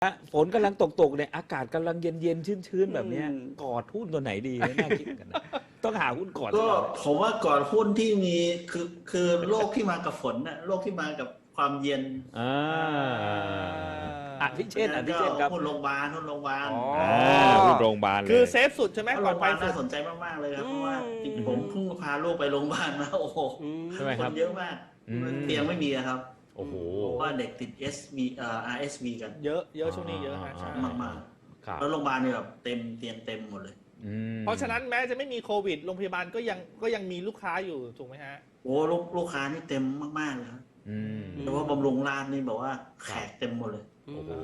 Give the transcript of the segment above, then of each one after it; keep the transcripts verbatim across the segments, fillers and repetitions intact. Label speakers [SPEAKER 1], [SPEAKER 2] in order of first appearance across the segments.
[SPEAKER 1] ฝนกำลังตกๆเนี่ยอากาศกำลังเย็นๆชื้นๆแบบนี้กอดหุ้นตัวไหนดีน่าคิดกันนะต้องหาหุ้นก่อน
[SPEAKER 2] ก็ผมว่ากอดหุ้นที่มีคือคือโลกที่มากับฝนน่ะโลกที่มากับความเย็น
[SPEAKER 1] อ่าอ่ะพี่เช่นอ่ะพี่เช่นครับ
[SPEAKER 2] หุ้นโรงพยาบาลหุ้นโรงพยาบาล
[SPEAKER 1] หุ้นโรงพยาบาลเลย
[SPEAKER 3] คือเซฟสุดใช่ไหมก่อนไป
[SPEAKER 2] น่าสนใจมากๆเลยครับเพราะว่าผมเพิ่งพาลูกไปโรงพยาบาลมาโอ้โหคนเยอะมากเตียงไม่มีครับ
[SPEAKER 1] โอ้โห
[SPEAKER 2] ว่าเด็กติด เอส วี เอ่อ อาร์ เอส วี กัน
[SPEAKER 3] เยอะเยอะช่วงนี้เยอะนะ
[SPEAKER 2] มากมากแล้วโรงพยาบาลเนี่ยแบบเต็มเตียงเต็มหมดเลย
[SPEAKER 3] เพราะฉะนั้นแม้จะไม่มีโควิดโรงพยาบาลก็ยังก็ยังมีลูกค้าอยู่ถูกไหมฮะ
[SPEAKER 2] โอ้ลูกลูกค้านี่เต็มมากๆเลยครับแต่ว่าบำรุงราษฎร์นี่แบบว่าแขกเต็มหมดเลย
[SPEAKER 1] โอ้โห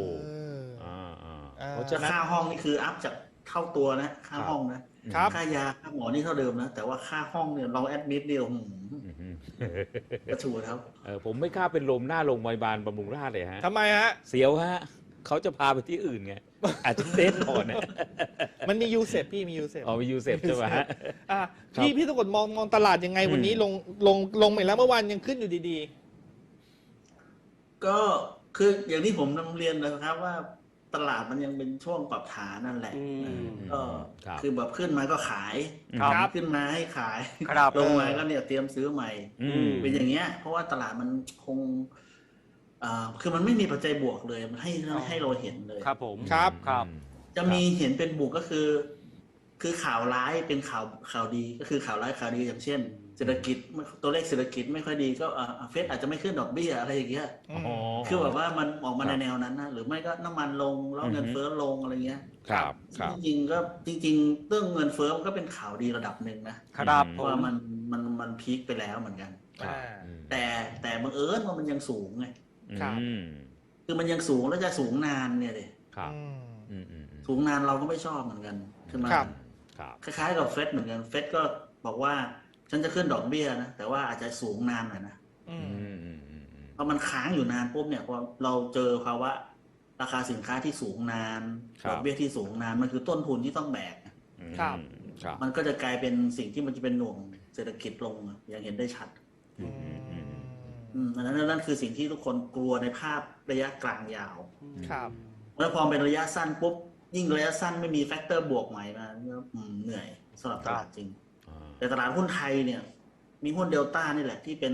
[SPEAKER 2] เพราะฉะนั้นค่าห้องนี่คืออัพจากเท่าตัวนะค่าห้องนะค่ายาค่าหมอนี่เท่าเดิมนะแต่ว่าค่าห้องเนี่ยเราแอดมิดเดียวกระชูครับ
[SPEAKER 1] เออผมไม่กล้าเป็นลมหน้าโรงพยาบาลบำรุงราษฎร์เลยฮะ
[SPEAKER 3] ทำไมฮะ
[SPEAKER 1] เสียวฮะเขาจะพาไปที่อื่นไงอาจจะเต้นก่อนนะ
[SPEAKER 3] มันมียูเซฟพี่มียูเซฟ
[SPEAKER 1] อ๋อมียูเซฟใช่ไหมฮะ
[SPEAKER 3] พี่พี่ตะกดมองมองตลาดยังไงวันนี้ลงลงลงไปแล้วเมื่อวานยังขึ้นอยู่ดี
[SPEAKER 2] ๆก็คืออย่างที่ผมนำเรียนนะครับว่าตลาดมันยังเป็นช่วงปรับฐานนั่นแหละก็คือแบบขึ้นมาก็ขายขึ้นมาให้ขายลงมาก็เนี่ยเตรียมซื้อใหม่เป็นอย่างเงี้ยเพราะว่าตลาดมันคงคือมันไม่มีปัจจัยบวกเลยมันให้ให้เราเห็นเลย
[SPEAKER 3] ครับผมครับครับ
[SPEAKER 2] จะมีเห็นเป็นบวกก็คือคือข่าวร้ายเป็นข่าวข่าวดีก็คือข่าวร้ายข่าวดีอย่างเช่นเศรษฐกิจตัวเลขเศรษฐกิจไม่ค่อยดีก็เฟดอาจจะไม่ขึ้นดอกเบี้ยอะไรอย่างเงี้ยคือแบบว่ามันออกมาในแนวนั้นนะหรือไม่ก็น้ำมันลงแล้วเงินเฟ้อลงอะไรเงี้ย
[SPEAKER 1] ครับ
[SPEAKER 2] จริงๆก็จริงๆเรื่องเงินเฟ้อมันก็เป็นข่าวดีระดับหนึ่งนะครับเพราะว่ามันมันมันพีคไปแล้วเหมือนกันแต่แต่บังเอิญว่ามันยังสูงไงคือมันยังสูงแล้วจะสูงนานเนี่ยเลยสูงนานเราก็ไม่ชอบเหมือนกันใช่ไหมคล้ายๆกับเฟดเหมือนกันเฟดก็บอกว่าฉันจะขึ้นดอกเบี้ยนะแต่ว่าอาจจะสูงนานหน่อยนะพอมันค้างอยู่นานปุ๊บเนี่ยพอเราเจอภาวะราคาสินค้าที่สูงนานดอกเบี้ยที่สูงนานมันคือต้นทุนที่ต้องแบกมันก็จะกลายเป็นสิ่งที่มันจะเป็นหน่วงเศรษฐกิจลงอย่างเห็นได้ชัดอันนั้นนั่นคือสิ่งที่ทุกคนกลัวในภาพระยะกลางยาว
[SPEAKER 3] ครับ
[SPEAKER 2] แล้วพอเป็นระยะสั้นปุ๊บยิ่งระยะสั้นไม่มีแฟกเตอร์บวกใหม่มาเหนื่อยสำหรับตลาดจริงแต่ตลาดหุ้นไทยเนี่ยมีหุ้นเดลต้านี่แหละที่เป็น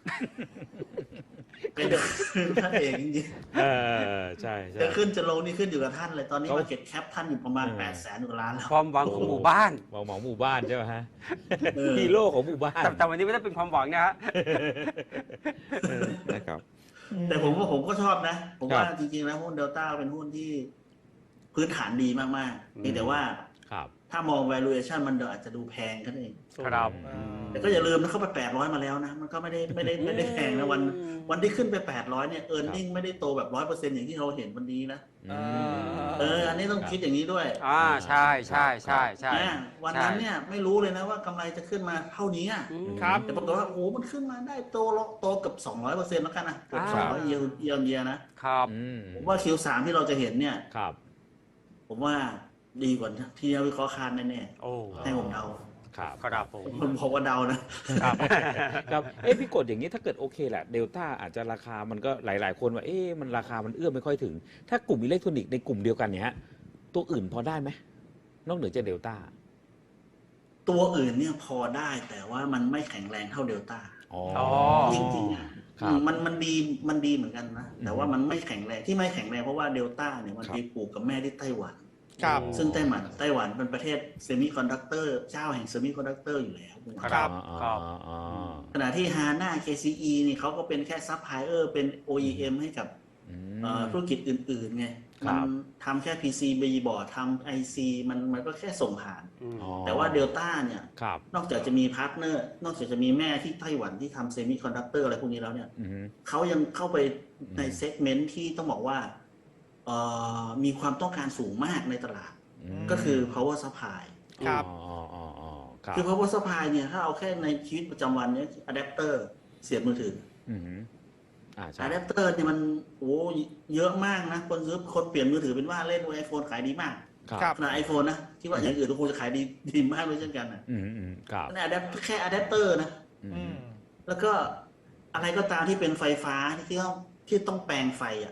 [SPEAKER 2] เป็นเดินท่านเองจริง
[SPEAKER 1] ๆเออใช่ใช่
[SPEAKER 2] จะขึ้นจะลงนี่ขึ้นอยู่กับท่านเลยตอนนี้มาเก็ตแคปท่านอยู่ประมาณแปดแสนกว่าล้านแล้ว
[SPEAKER 4] ความหวังของหมู่บ้าน
[SPEAKER 1] ความหวังหมู่บ้านใช่ไหมฮะฮีโร่ของหมู่บ้าน
[SPEAKER 4] แต่วันนี้ไม่ได้เป็นความหวังนะฮะ
[SPEAKER 1] นะครับ
[SPEAKER 2] แต่ผมว่าผมก็ชอบนะผมว่าจริงๆแล้วหุ้นเดลต้าเป็นหุ้นที่พื้นฐานดีมากๆเพียงแต่ว่าถ้ามอง valuation มันอาจจะดูแพงแค่นั้นเอง
[SPEAKER 4] ครับ
[SPEAKER 2] แต่ก็อย่าลืมนะเขาไปแปดร้อยมาแล้วนะมันก็ไม่ได้ไม่ได้ไม่ได้แพงนะวันวันที่ขึ้นไปแปดร้อยเนี่ย earning ไม่ได้โตแบบ ร้อยเปอร์เซ็นต์ อย่างที่เราเห็นวันนี้นะเอออันนี้ต้องคิดอย่างนี้ด้วย
[SPEAKER 4] อ่าใช่ใช่ใช่ใช่
[SPEAKER 2] วันนั้นเนี่ยไม่รู้เลยนะว่ากำไรจะขึ้นมาเท่านี้
[SPEAKER 3] ครับ
[SPEAKER 2] แต่ปรากฏว่าโอ้มันขึ้นมาได้โตโตเกือบ สองร้อยเปอร์เซ็นต์ แล้วกันนะเกือบสองร้อยเยียร์เยียร์เยียร์นะครับผมว่า คิว สาม ที่เราจะเห็นเนี่ยผมว่าดีกว่าที่นักวิเคราะห์คาดแน่ๆให้ผมเดา
[SPEAKER 1] ครับ
[SPEAKER 4] ครับผม
[SPEAKER 2] ผมบอกว่าเดานะครับ
[SPEAKER 1] ครับเอ๊ะพี่กดอย่างนี้ถ้าเกิดโอเคแหละเดลต้าอาจจะราคามันก็หลายๆคนว่าเอ๊ะมันราคามันเอื้อมไม่ค่อยถึงถ้ากลุ่มอิเล็กทรอนิกส์ในกลุ่มเดียวกันเนี่ยตัวอื่นพอได้ไหมนอกเหนือจากเดลต้า
[SPEAKER 2] ตัวอื่นเนี่ยพอได้แต่ว่ามันไม่แข็งแรงเท่าเดลต้า
[SPEAKER 1] อ๋อ
[SPEAKER 2] จริงๆอ่ะมันมันดีมันดีเหมือนกันนะแต่ว่ามันไม่แข็งแรงที่ไม่แข็งแรงเพราะว่าเดลต้าเนี่ยมันไปปลูกกับแม่ที่ไต้หวันซึ่งไต้หวันไต้หวันเป็นประเทศเซมิคอนดักเตอร์เจ้าแห่งเซมิคอนดักเตอร์อยู่แล้ว
[SPEAKER 4] ครับ
[SPEAKER 2] ขณะที่ ฮาน่า เค ซี อี นี่เขาก็เป็นแค่ซัพพลายเออร์เป็น โอ อี เอ็ม ให้กับธุรกิจอื่นๆไงมันทำแค่ พี ซี บี บอร์ดทำ ไอ ซี มันมันก็แค่ส่งผ่านแต่ว่าเดลต้าเนี่ยนอกจากจะมีพาร์ทเนอร์นอกจากจะมีแม่ที่ไต้หวันที่ทำเซมิคอนดักเตอร์อะไรพวกนี้แล้วเนี่ยเขายังเข้าไปในเซกเมนต์ที่ต้องบอกว่ามีความต้องการสูงมากในตลาดก็คือ power supply
[SPEAKER 3] ครับ
[SPEAKER 2] คือ power supply เนี่ยถ้าเอาแค่ในชีวิตประจำวันเนี่ยอะแดปเตอร์เสียบมือถืออะแดปเตอร์เนี่ยมันโอ้เยอะมากนะคนซื้อคนเปลี่ยนมือถือเป็นว่าเล่นไอโฟนขายดีมากขนาดไอโฟนนะคิดว่าอย่างอื่นทุกคนจะขายดีดีมากเลยเช่นกันนะนี่อะแดปแค่อะแดปเตอร์นะแล้วก็อะไรก็ตามที่เป็นไฟฟ้าที่ต้องที่ต้องแปลงไฟอ่ะ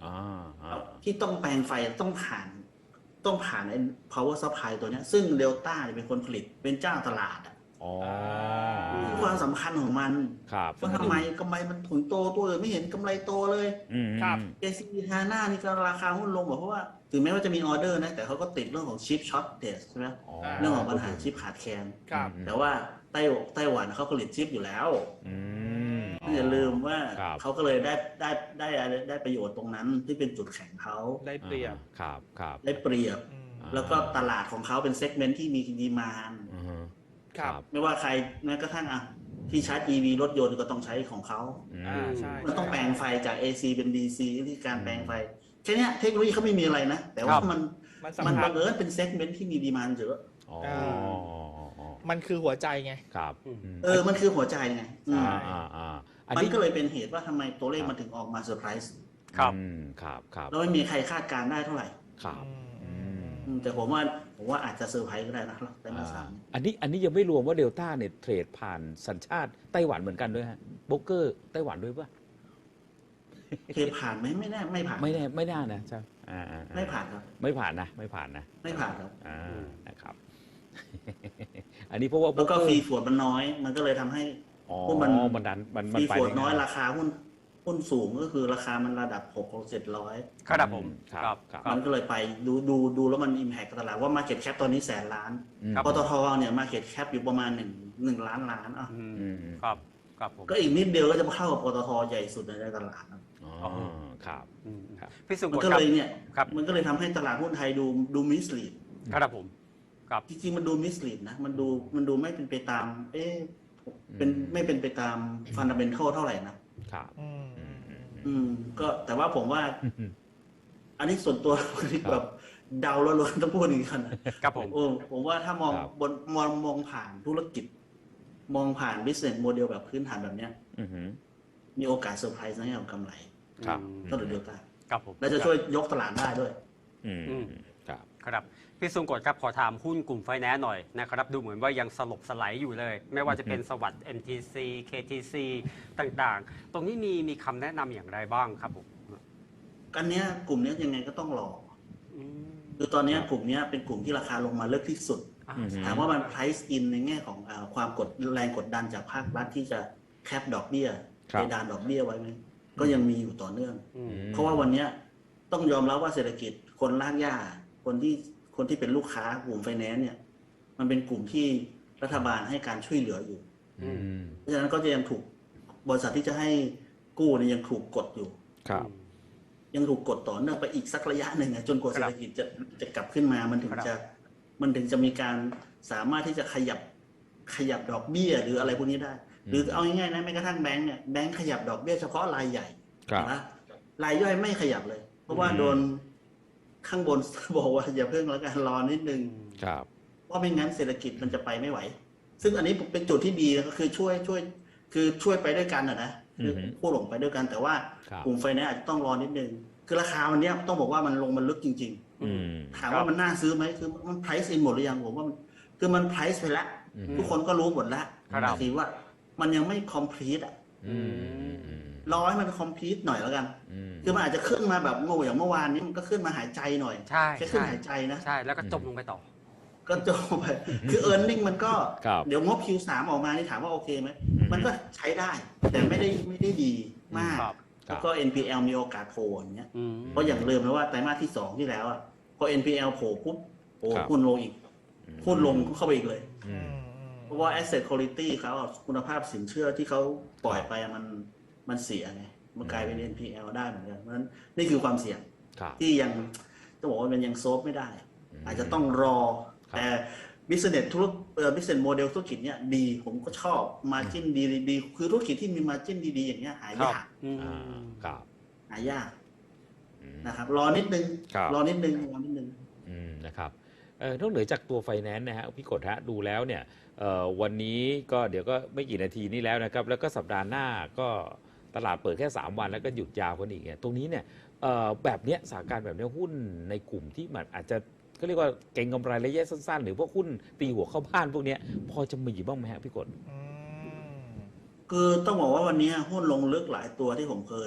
[SPEAKER 1] อ่าอ่า
[SPEAKER 2] ที่ต้องแปลงไฟต้องผ่านต้องผ่านไอ้ power supply ตัวเนี้ยซึ่งเดลต้าเป็นคนผลิตเป็นเจ้าตลาดอ่ะ
[SPEAKER 1] อ๋อ
[SPEAKER 2] คือความสำคัญของมัน
[SPEAKER 1] ครับ
[SPEAKER 2] ว่าทำไมกำไรมันถึงโตตัวอื่นไม่เห็นกำไรโตเลย
[SPEAKER 1] อืม
[SPEAKER 3] ครับ
[SPEAKER 2] เอ ซี ฮาน่านี่ก็ราคาหุ้นลงบอกเพราะว่าถึงแม้ว่าจะมีออเดอร์นะแต่เขาก็ติดเรื่องของชิปช็อตเดสใช่ไหม
[SPEAKER 1] อ๋อ
[SPEAKER 2] เรื่องของปัญหาชิปขาดแคลน
[SPEAKER 3] ครับ
[SPEAKER 2] แต่ว่าไต้ไต้หวันเขาผลิตชิปอยู่แล้ว
[SPEAKER 1] อืม
[SPEAKER 2] อย่าลืมว่า
[SPEAKER 1] ครับ
[SPEAKER 2] เขาก็เลยได้ได้ได้ได้ได้ประโยชน์ตรงนั้นที่เป็นจุดแข็งเขา
[SPEAKER 3] ได้เปรียบ
[SPEAKER 1] ครับครับ
[SPEAKER 2] ได้เปรียบ
[SPEAKER 3] อืม
[SPEAKER 1] อ่า
[SPEAKER 2] แล้วก็ตลาดของเขาเป็นเซกเมนต์ที่มีดีมาน
[SPEAKER 1] อืม
[SPEAKER 3] ครับ
[SPEAKER 2] ไม่ว่าใครแม้กระทั่งอ่ะที่ชาร์จ อี วี รถยนต์ก็ต้องใช้ของเขา
[SPEAKER 1] อืม
[SPEAKER 3] อ่าใช่
[SPEAKER 2] มันต้องแปลงไฟจาก เอ ซี เป็น ดี ซี ที่การแปลงไฟแค่เนี้ยเทคโนโลยีเขาไม่มีอะไรนะ แต่ว่ามัน
[SPEAKER 3] มัน
[SPEAKER 2] มัน
[SPEAKER 3] สำคั
[SPEAKER 2] บั
[SPEAKER 3] ญ
[SPEAKER 2] งเอิญเป็นเซกเมนต์ที่มีดีมานเยอะ
[SPEAKER 1] อ๋อ
[SPEAKER 3] มันคือหัวใจไง
[SPEAKER 1] ครับอืม
[SPEAKER 2] เออมันคือหัวใจไงอืม
[SPEAKER 1] อ่าอ่าอ่าอัน
[SPEAKER 2] มัน
[SPEAKER 1] นี้
[SPEAKER 2] ก็เลยเป็นเหตุว่าทำไมตัวเลขมันถึงออกมาเซอร์ไพรส์
[SPEAKER 4] ครับ
[SPEAKER 1] อืมครับครับ
[SPEAKER 2] แล้วไม่มีใครคาดการณ์ได้เท่าไหร่
[SPEAKER 1] ครับ
[SPEAKER 3] อืม
[SPEAKER 1] อืม
[SPEAKER 2] อืมแต่ผมว่าผมว่าอาจจะเซอร์ไพรส์ก็ได้นะแต่มาสาม
[SPEAKER 1] อันนี้อันนี้ยังไม่รวมว่าเดลต้าเนี่ยเทรดผ่านสัญชาติไต้หวันเหมือนกันด้วยฮะโบรกเกอร์ไต้หวันด้วยป่ะ
[SPEAKER 2] เคผ่านไหมไม่แน่ไม่ผ่าน
[SPEAKER 1] ไม่แน่ไม่น่านะใช่อ่าอ่าอ่
[SPEAKER 2] ไม่ผ่านครับ
[SPEAKER 1] ไม่ผ่านนะ ไม่ผ่านนะ
[SPEAKER 2] ไม่ผ่านครับ
[SPEAKER 1] อ่านะครับ อันนี้เพราะว่า
[SPEAKER 2] แล้วก็
[SPEAKER 1] โบร
[SPEAKER 2] ฟรี
[SPEAKER 1] เอร์
[SPEAKER 2] โฟลดมันน้อย มันก็เลยทำให้
[SPEAKER 1] อ๋อ
[SPEAKER 2] พวกมัน
[SPEAKER 1] มันดันมัน
[SPEAKER 2] ฟ
[SPEAKER 1] มัน
[SPEAKER 2] รี
[SPEAKER 1] ไป
[SPEAKER 2] โฟลด
[SPEAKER 1] ได้
[SPEAKER 2] น้อย
[SPEAKER 1] ง่าย
[SPEAKER 2] ราคาหุ้นหุ้นสูงก็คือราคามันระดับหกเจ็ดร้อย
[SPEAKER 4] ครับผม
[SPEAKER 1] ครับครับ
[SPEAKER 2] มันก็เลยไปดูดูดูแล้วมันอิมแพคตลาดว่า Market Cap ตอนนี้แสนล้าน
[SPEAKER 1] อืม
[SPEAKER 4] ครับ
[SPEAKER 2] ปตทเนี่ย Market Cap อยู่ประมาณหนึ่งหนึ่งล้านล้านอ่ะ
[SPEAKER 4] อืม
[SPEAKER 1] อืม
[SPEAKER 4] ครับครับผม
[SPEAKER 2] ก็อีกนิดเดียวก็จะเข้ากับปตทใหญ่สุดในตลาดนะ
[SPEAKER 1] อ๋อครับ
[SPEAKER 4] อืม
[SPEAKER 1] ครับ
[SPEAKER 4] พี่สุง
[SPEAKER 2] มัน
[SPEAKER 4] กฎ
[SPEAKER 2] ก็
[SPEAKER 4] ครั
[SPEAKER 2] เล
[SPEAKER 4] บ
[SPEAKER 2] ยเนี่ย
[SPEAKER 4] ครับ
[SPEAKER 2] มันก็เลยทำให้ตลาดหุ้นไทยดูดูมิสลีด
[SPEAKER 4] ครับผมครับ
[SPEAKER 2] จริงๆมันดูมิสลีดนะมันดูมันดูไม่เป็นไปตาม เอ๊ะเป็นไม่เป็นไปตามฟันดัมเบลทัลเท่าไหร่นะ
[SPEAKER 1] ครับ
[SPEAKER 3] อืมอืมอืม
[SPEAKER 2] อืม ก็แต่ว่าผมว่า อันนี้ส่วนตัวที่แบบเดาแล้วล้วนต้องพูดอย่างนี้กันนะครับ
[SPEAKER 4] ผม
[SPEAKER 2] โอ้ผมว่าถ้ามอง
[SPEAKER 1] ครับ
[SPEAKER 2] บนมองมองผ่านธุรกิจ มองผ่าน business model แบบพื้นฐานแบบเนี้ย
[SPEAKER 1] อือหือ
[SPEAKER 2] มีโอกาสเซอร์ไพรส์ในเรื่องของกำไร
[SPEAKER 1] ครับ
[SPEAKER 2] เท่าเดลต้า
[SPEAKER 4] ครับผม
[SPEAKER 2] และจะช่วยยกตลาดได้ด้วย
[SPEAKER 1] อืม
[SPEAKER 4] อืม
[SPEAKER 1] ครับ
[SPEAKER 4] ครับพี่สุงกฎครับขอถามหุ้นกลุ่มไฟแนนซ์หน่อยนะครับดูเหมือนว่ายังสลบสไลด์อยู่เลย ไม่ว่าจะเป็นสวัสด์ เอ็ม ที ซี เค ที ซี ต่างๆ ตรงนี้มีมีคำแนะนำอย่างไรบ้างครับผม
[SPEAKER 2] กันเนี้ยกลุ่มเนี้ยยังไงก็ต้องรอ
[SPEAKER 4] อืม
[SPEAKER 2] คือตอนเนี้ยกลุ่มเนี้ยเป็นกลุ่มที่ราคาลงมาเลิกที่สุด
[SPEAKER 4] อ่า
[SPEAKER 1] อืม
[SPEAKER 2] ถามว่ามัน price in ในแง่ของอาความกดแรงกดดันจากภาครัฐที่จะแคปดอกเบี้ย
[SPEAKER 1] ครับ
[SPEAKER 2] เพดานดอกเบี้ยไว้ไหมก็ยังมีอยู่ต่อเนื่อง
[SPEAKER 4] อืม
[SPEAKER 2] เพราะว่าวันเนี้ยต้องยอมรับว่าเศรษฐกิจคนลากย่าคนที่คนที่เป็นลูกค้ากลุ่มไฟแนนซ์เนี่ย มันเป็นกลุ่มที่รัฐบาลให้การช่วยเหลืออยู่
[SPEAKER 1] อืม
[SPEAKER 2] เพราะฉะนั้นก็จะยังถูกบริษัทที่จะให้กู้เนี่ยยังถูกกดอยู่
[SPEAKER 1] ครับ
[SPEAKER 2] ยังถูกกดต่อเนื่องไปอีกสักระยะหนึ่งอะจนกว่าเศรษฐกิจจะจะกลับขึ้นมามันถึงจะมันถึงจะมีการสามารถที่จะขยับขยับดอกเบี้ยหรืออะไรพวกนี้ได้ หรือเอาง่ายๆนะแม้กระทั่งแบงก์เนี่ยแบงก์ขยับดอกเบี้ยเฉพาะรายใหญ่
[SPEAKER 1] ครับ
[SPEAKER 2] นะรายย่อยไม่ขยับเลย เพราะว่า
[SPEAKER 1] อืม
[SPEAKER 2] โดนข้างบน บอกว่าอย่าเพิ่งแล้วกันรอนิดนึง
[SPEAKER 1] ครับ
[SPEAKER 2] เพราะไม่งั้นเศรษฐกิจมันจะไปไม่ไหว ซึ่งอันนี้เป็นจุดที่ดีนะก็คือช่วยช่วย คือช่วยไปด้วยกันอะนะคือ
[SPEAKER 1] อฮึ
[SPEAKER 2] คู่หลงไปด้วยกัน แต่ว่า
[SPEAKER 1] ครับ
[SPEAKER 2] กลุ่มไฟแนนซ์อาจจะต้องรอนิดนึง คือราคาวันเนี้ยต้องบอกว่ามันลงมันลึกจริง
[SPEAKER 1] อืม
[SPEAKER 2] ๆ ถามว่ามันน่าซื้อไหมคือมัน price in หมดหรือยังผมว่ามันคือมัน price ไปแล้ว
[SPEAKER 1] อืม
[SPEAKER 2] ทุกคนก็รู้หมดแล้ว
[SPEAKER 4] ครับ
[SPEAKER 2] แต่คือว่ามันยังไม่ complete อ่ะ
[SPEAKER 1] อืมอืมอืม
[SPEAKER 2] รอให้มัน complete หน่อยแล้วกัน
[SPEAKER 1] อืม
[SPEAKER 2] คือมันอาจจะขึ้นมาแบบเมื่ออย่างเมื่อวานนี้มันก็ขึ้นมาหายใจหน่อย
[SPEAKER 4] ใช่
[SPEAKER 2] แค่ขึ้น
[SPEAKER 4] ใช่
[SPEAKER 2] หายใจนะ
[SPEAKER 4] ใช่แล้วก็จมลงไปต่อ
[SPEAKER 2] ก็จบไป คือ e a r n i n g มันก็
[SPEAKER 1] ครับ
[SPEAKER 2] เดี๋ยวงบ คิว สาม ออกมานี่ถามว่าโอเคไหม
[SPEAKER 1] อืม
[SPEAKER 2] มันก็ใช้ได้ แต่ไม่ได้ไม่ได้ดีมาก
[SPEAKER 4] ครับ
[SPEAKER 2] แล้วก็ เอ็น พี แอล มีโอกาสโผล่อย่างเงี้ย
[SPEAKER 4] อืม
[SPEAKER 2] เพราะอย่างลืมนะว่าไตรมาสที่สองที่แล้วอ่ะพอ เอ็น พี แอล โผล่ปุ๊บโอ้
[SPEAKER 1] ครับ
[SPEAKER 2] หุ้นลงอีกหุ้นลงเข้าไปอีกเลย
[SPEAKER 1] อื
[SPEAKER 3] อื
[SPEAKER 1] ม
[SPEAKER 3] มอืม
[SPEAKER 2] เพราะว่า asset quality เขาอะคุณภาพสินเชื่อที่เขาปล่อยไปอะมันมันเสียไงมันกลายเป็น เอ็น พี แอล ได้เหมือนกันเพราะฉะนั้นนี่คือความเสี่ยง
[SPEAKER 1] ครับ
[SPEAKER 2] ที่ยังต้องบอกว่ามันยังโซฟไม่ได้
[SPEAKER 1] อืม
[SPEAKER 2] อาจจะต้องรอ
[SPEAKER 1] ครับ
[SPEAKER 2] แต่ business ธุรเอ่อ business model ธุรกิจเนี้ยดีผมก็ชอบ margin ดีดีคือธุรกิจที่มี margin ดีๆอย่างเงี้ยหายาก
[SPEAKER 4] อืม
[SPEAKER 1] อ่าครับ
[SPEAKER 2] หายาก
[SPEAKER 1] อืม
[SPEAKER 2] นะครับรอนิดนึง
[SPEAKER 1] ครับ
[SPEAKER 2] รอนิดนึงรอนิดนึง
[SPEAKER 1] อืมนะครับเอ่อนอกเหนือจากตัวไฟแนนซ์นะฮะพี่กดฮะดูแล้วเนี่ยเอ่อวันนี้ก็เดี๋ยวก็ไม่กี่นาทีนี้แล้วนะครับ แล้วก็สัปดาห์หน้าก็ตลาดเปิดแค่ สาม วันแล้วก็หยุดยาวกันอีกเนี่ยตรงนี้เนี่ยเอ่อแบบเนี้ยสถานการณ์แบบเนี้ยหุ้นในกลุ่มที่มันอาจจะก็เรียกว่าเก็งกำไรระยะสั้นๆ หรือพวกหุ้นตีหัวเข้าบ้านพวกเนี้ยพอจะมีบ้างไหมฮะพี่กด
[SPEAKER 3] อืม
[SPEAKER 2] คือต้องบอกว่าวันนี้หุ้นลงลึกหลายตัวที่ผมเคย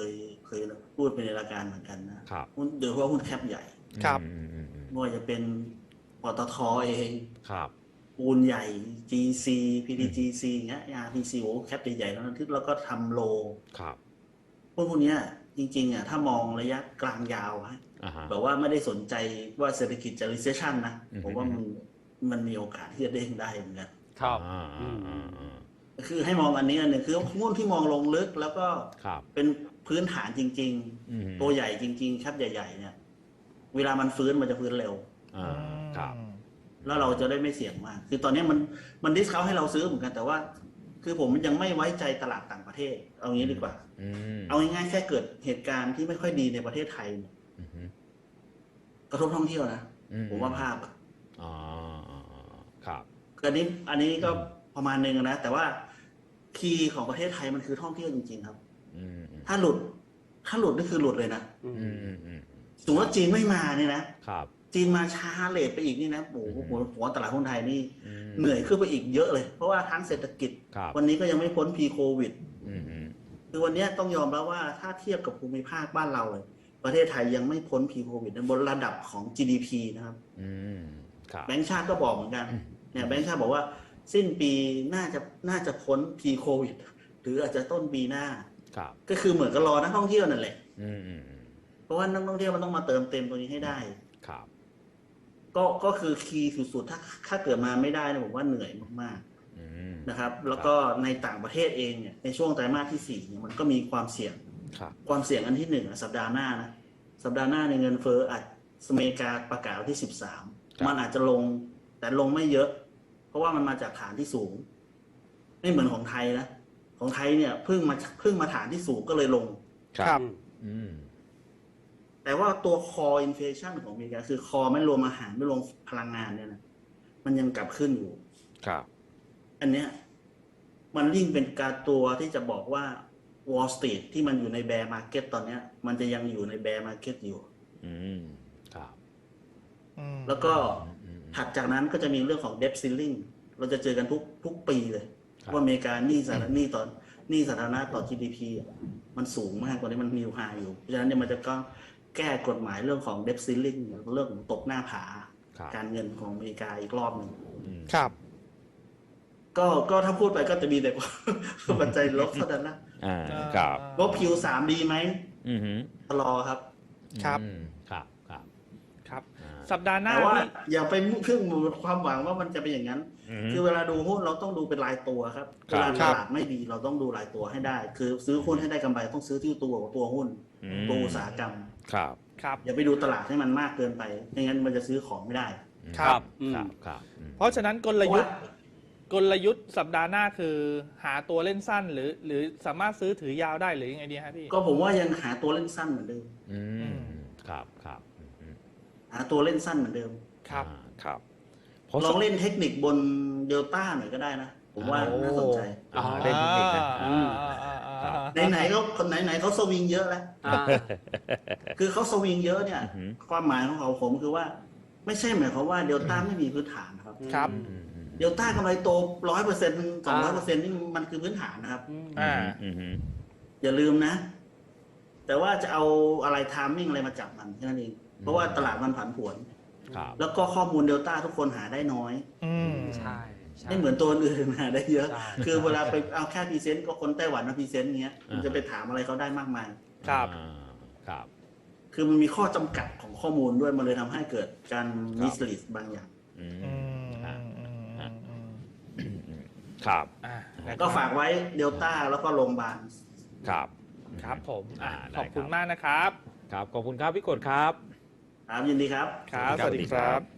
[SPEAKER 2] เคยพูดไปในรายการเหมือนกันนะครับหุ้นโดยเฉพาะหุ้นแคปใหญ่
[SPEAKER 3] ครับ
[SPEAKER 2] ไม่ว่าจะเป็นปตทเอง
[SPEAKER 1] ครับ
[SPEAKER 2] ปูนใหญ่ จี ซี พี ที จี ซี อย่างเงี้ย อาร์ พี ซี โอ้แคปใหญ่ๆแล้วนั้นที่เราก็ทำโล
[SPEAKER 1] ครับ
[SPEAKER 2] พวกพวกเนี้ยจริงๆอ่ะถ้ามองระยะกลางยาวฮะ
[SPEAKER 1] อ่าฮะ
[SPEAKER 2] แบบว่าไม่ได้สนใจว่าเศรษฐกิจจะ recession นะ
[SPEAKER 1] อืม
[SPEAKER 2] ผมว่ามันมันมีโอกาสที่จะเด้งได้เหมือนกัน
[SPEAKER 4] ครับ
[SPEAKER 1] อ่าอ่าอ่าอ่า
[SPEAKER 2] คือให้มองอันนี้อันหนึ่งคือหุ้นที่มองลงลึกแล้วก็
[SPEAKER 1] ครับ
[SPEAKER 2] เป็นพื้นฐานจริง
[SPEAKER 1] อืม
[SPEAKER 2] ๆ ตัวใหญ่จริงๆแคปใหญ่ๆเนี่ยเวลามันฟื้นมันจะฟื้นเร็ว
[SPEAKER 1] อ่าครับ
[SPEAKER 2] แล้วเราจะได้ไม่เสี่ยงมาก คือตอนนี้มันมันดิสเขาให้เราซื้อเหมือนกันแต่ว่า คือผมยังไม่ไว้ใจตลาดต่างประเทศ เอางี้ดีกว่า
[SPEAKER 1] อืม
[SPEAKER 2] เอาง่ายๆแค่เกิดเหตุการณ์ที่ไม่ค่อยดีในประเทศไทยเนี่ย
[SPEAKER 1] อืม
[SPEAKER 2] กระทบท่องเที่ยวนะ
[SPEAKER 1] อื
[SPEAKER 2] ผมว่าภาพอะ
[SPEAKER 1] อ๋อครับ
[SPEAKER 2] อันนี้อันนี้ก็ประมาณนึงนะ แต่ว่าคีย์ของประเทศไทยมันคือท่องเที่ยวจริงๆครับ
[SPEAKER 1] อืม
[SPEAKER 2] ถ้าหลุด ถ้าหลุดนี่คือหลุดเลยนะ
[SPEAKER 4] อืม
[SPEAKER 1] อืมอืมอืม
[SPEAKER 2] สมมติว่าจีนไม่มาเนี่ยนะครับ จีนมาช้าเลทไปอีกนี่นะโอ้โหผมผมว่าตลาดหุ้นไทยนี่
[SPEAKER 1] อืม
[SPEAKER 2] เหนื่อยขึ้นไปอีกเยอะเลย เพราะว่าทั้งเศรษฐกิจ
[SPEAKER 1] ครับ
[SPEAKER 2] วันนี้ก็ยังไม่พ้นพีโควิด
[SPEAKER 1] อืมอืม
[SPEAKER 2] คือวันนี้ต้องยอมรับว่าถ้าเทียบกับภูมิภาคบ้านเราเลยประเทศไทยยังไม่พ้นพีโควิดบนระดับของ จี ดี พี นะครับ
[SPEAKER 1] อืมครับ
[SPEAKER 2] แบงก์ชาติก็บอกเหมือนกัน
[SPEAKER 1] อืม
[SPEAKER 2] เนี่ยแบงก์ชาติบอกว่าสิ้นปีน่าจะน่าจะพ้นพีโควิดหรืออาจจะต้นปีหน้า
[SPEAKER 1] ครับ
[SPEAKER 2] ก็คือเหมือนกับรอนักท่องเที่ยวนั่นแหละ
[SPEAKER 1] อืมอืมอืม
[SPEAKER 2] เพราะว่านักท่องเที่ยวมันต้องมาเติมเต็มตรงนี้ให้ได้
[SPEAKER 1] ครับ
[SPEAKER 2] ก็ก็คือคีย์สุดๆถ้าถ้าเกิดมาไม่ได้นะผมว่าเหนื่อยมาก
[SPEAKER 1] อืม
[SPEAKER 2] ๆนะครับ แล้วก็ในต่างประเทศเองเนี่ยในช่วงไตรมาสที่สี่เนี่ยมันก็มีความเสี่ยง
[SPEAKER 1] ครับ
[SPEAKER 2] ความเสี่ยงอันที่หนึ่งอะสัปดาห์หน้านะสัปดาห์หน้าในเงินเฟ้ออาจอเมริกาประกาศวันที่สิบสามมันอาจจะลงแต่ลงไม่เยอะ เพราะว่ามันมาจากฐานที่สูง ไม่เหมือนของไทยนะของไทยเนี่ยเพิ่งมาเพิ่งมาฐานที่สูงก็เลยลง
[SPEAKER 3] ครับ
[SPEAKER 1] อืม
[SPEAKER 2] แต่ว่าตัว core inflation ของอเมริกาคือคอไม่รวมอาหารไม่รวมพลังงานเนี่ยนะมันยังกลับขึ้นอยู่
[SPEAKER 1] ครับ
[SPEAKER 2] อันเนี้ยมันยิ่งเป็นการตัวที่จะบอกว่า Wall Street ที่มันอยู่ใน bear market ตอนเนี้ย มันจะยังอยู่ใน bear market อยู่
[SPEAKER 1] อืมครับ
[SPEAKER 2] แล้วก็
[SPEAKER 1] อืม
[SPEAKER 2] ถัดจากนั้นก็จะมีเรื่องของ debt ceiling เราจะเจอกันทุกทุกปีเลย
[SPEAKER 1] ครับ
[SPEAKER 2] ว่าอเมริกาหนี้สาธารณหนี้ต่อหนี้สาธารณะต่อ จี ดี พี อ่ะมันสูงมากกว่านี้มันมีอยู่ high อยู่ เพราะฉะนั้นเนี่ยมันจะก็แก้กฎหมายเรื่องของ debt ceiling เรื่องของตบหน้าผา
[SPEAKER 1] ครับ
[SPEAKER 2] การเงินของอเมริกาอีกรอบหนึ่ง
[SPEAKER 1] อืม
[SPEAKER 3] ครับ
[SPEAKER 2] ก็ก็ถ้าพูดไปก็จะมีแต่ ปัจจัยลบเท่านั้นนะ
[SPEAKER 1] อ่าครับ
[SPEAKER 2] ลบ คิว สาม ดีไหม
[SPEAKER 1] อืม
[SPEAKER 2] ชะลอครับ
[SPEAKER 3] ครับ
[SPEAKER 1] อืมครับครับ
[SPEAKER 3] ครับ
[SPEAKER 1] อ่า
[SPEAKER 3] สัปดาห์หน้า
[SPEAKER 2] แต่ว่า
[SPEAKER 3] พี่
[SPEAKER 2] อย่าไปเพิ่งหมดความหวังว่ามันจะเป็นอย่างนั้น
[SPEAKER 1] ม
[SPEAKER 2] คือเวลาดูหุ้นเราต้องดูเป็นรายตัวครับ
[SPEAKER 1] ครั
[SPEAKER 2] เว
[SPEAKER 1] บ
[SPEAKER 2] ลาตลาดไม่ดีเราต้องดูรายตัวให้ได้ คือซื้อหุ้นให้ได้กำไรต้องซื้อที่ตัวของตัวหุ้น
[SPEAKER 1] อืม
[SPEAKER 2] ตัวอุตสาหกรรม
[SPEAKER 1] ครับ
[SPEAKER 3] ครับ
[SPEAKER 2] อย่าไปดูตลาดให้มันมากเกินไปไม่งั้นมันจะซื้อของไม่ได้
[SPEAKER 3] ครับ
[SPEAKER 1] ครับครับอืม
[SPEAKER 3] เพราะฉะนั้นกลยุทธ์กลยุทธ์สัปดาห์หน้าคือหาตัวเล่นสั้นหรือ หรือสามารถซื้อถือยาวได้หรือยังไงดีฮะพี่
[SPEAKER 2] ก็ผมว่ายังหาตัวเล่นสั้นเหมือนเดิม
[SPEAKER 1] อืมครับครับอืมอืม
[SPEAKER 2] หาตัวเล่นสั้นเหมือนเดิม
[SPEAKER 3] ครับ
[SPEAKER 1] อ่าครับเพราะ
[SPEAKER 2] ลองเล่นเทคนิคบนเดลต้าหน่อยก็ได้นะ ผมว่า
[SPEAKER 3] โอ้
[SPEAKER 2] น่าสนใจ
[SPEAKER 1] อ่าเล่นเทคนิคนะ
[SPEAKER 3] อ่าอ่าอ่าอ่าอ่า
[SPEAKER 2] ไหนๆเขาคนไหนๆเขาสวิงเยอะแล้ว
[SPEAKER 4] อ่า
[SPEAKER 2] คือเขาสวิงเยอะเนี่ย
[SPEAKER 1] อือหือ
[SPEAKER 2] ความหมายของเขาผมคือว่า ไม่ใช่หมายความว่าเดลต้าไม่มีพื้นฐานครับ
[SPEAKER 3] ครับ
[SPEAKER 1] อืมอืม
[SPEAKER 2] เดลต้ากำไรโตร้อยเปอร์เซ็นต์สองร้อยเปอร์เซ็นต์นี่มันคือพื้นฐานนะครับ
[SPEAKER 3] อ่า
[SPEAKER 1] อืมอืม
[SPEAKER 2] อย่าลืมนะ แต่ว่าจะเอาอะไรทามมิ่งอะไรมาจับมันแค่นั้นเองเพราะว่าตลาดมันผันผวน
[SPEAKER 1] ครับ
[SPEAKER 2] แล้วก็ข้อมูลเดลต้าทุกคนหาได้น้อย
[SPEAKER 3] อืม
[SPEAKER 4] ใช่ใช่
[SPEAKER 2] ไม่เหมือนตัวอื่นหาได้เยอะ
[SPEAKER 4] ใช่
[SPEAKER 2] คือเวลาไปเอาแค่พรีเซนต์ก็คนไต้หวันมาพรีเซนต์เงี้ยมันจะไปถามอะไรเขาได้มากมาย
[SPEAKER 3] ครับ
[SPEAKER 1] อ่าครับ
[SPEAKER 2] คือมันมีข้อจำกัดของข้อมูลด้วยมันเลยทำให้เกิดการมิสลีดบางอย่าง
[SPEAKER 1] อืม
[SPEAKER 3] อืม
[SPEAKER 1] อ่า
[SPEAKER 3] อืมอืมอืม
[SPEAKER 1] อืมครับ
[SPEAKER 3] อ่านะครับ
[SPEAKER 2] ก็ฝากไว้เดลต้าแล้วก็โรงพยาบาล
[SPEAKER 1] ครับ
[SPEAKER 3] ครับผมอ่ะ
[SPEAKER 1] อ่าได้
[SPEAKER 3] ขอบคุณ
[SPEAKER 1] ครับ
[SPEAKER 3] มากนะครับ
[SPEAKER 1] ครับขอบคุณครับพี่กดครับ
[SPEAKER 2] ครับยินดีครับ
[SPEAKER 3] ครับ
[SPEAKER 1] ส
[SPEAKER 3] ส
[SPEAKER 1] วั
[SPEAKER 3] วั
[SPEAKER 1] ส
[SPEAKER 3] ส
[SPEAKER 1] ดี
[SPEAKER 3] ดี
[SPEAKER 1] ค
[SPEAKER 3] ค
[SPEAKER 1] รั
[SPEAKER 3] รับ บ